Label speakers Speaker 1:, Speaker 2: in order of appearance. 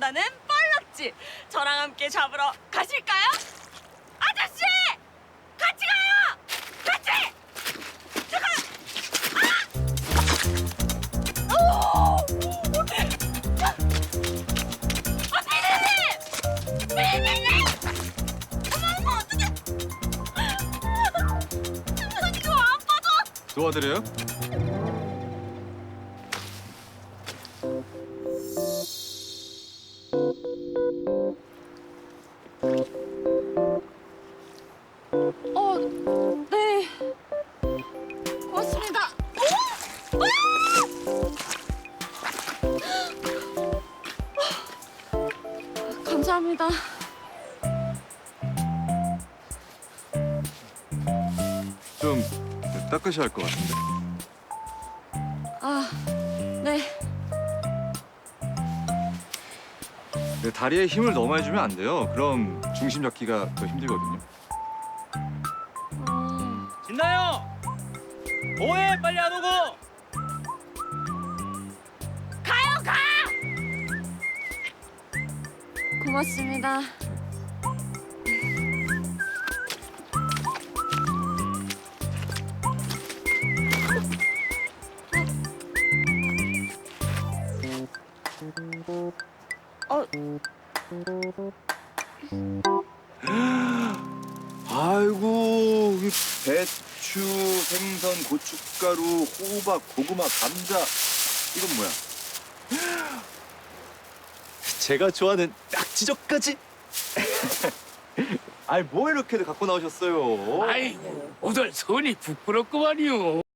Speaker 1: 좋아하는 빨락지. 저랑 함께 잡으러 가실까요? 아저씨! 같이 가요! 같이! 잠깐! 아! 오! 피디님! 피디님! 어머, 어떡해! 이거 안 빠져!
Speaker 2: 도와드려요?
Speaker 1: 네. 고맙습니다. 오! 감사합니다.
Speaker 2: 좀 닦으셔야 할 것 같은데.
Speaker 1: 아, 네.
Speaker 2: 네, 다리에 힘을 너무 많이 주면 안 돼요. 그럼 중심 잡기가 더 힘들거든요.
Speaker 3: 진나요! 뭐해? 빨리 안 오고!
Speaker 1: 가요, 가! 고맙습니다.
Speaker 2: 아이고, 이 배추, 생선, 고춧가루, 호박, 고구마, 감자. 이건 뭐야? 제가 좋아하는 낙지젓까지. 아이, 뭐 이렇게들 갖고 나오셨어요?
Speaker 4: 아이고, 오늘 손이 부끄럽구만요.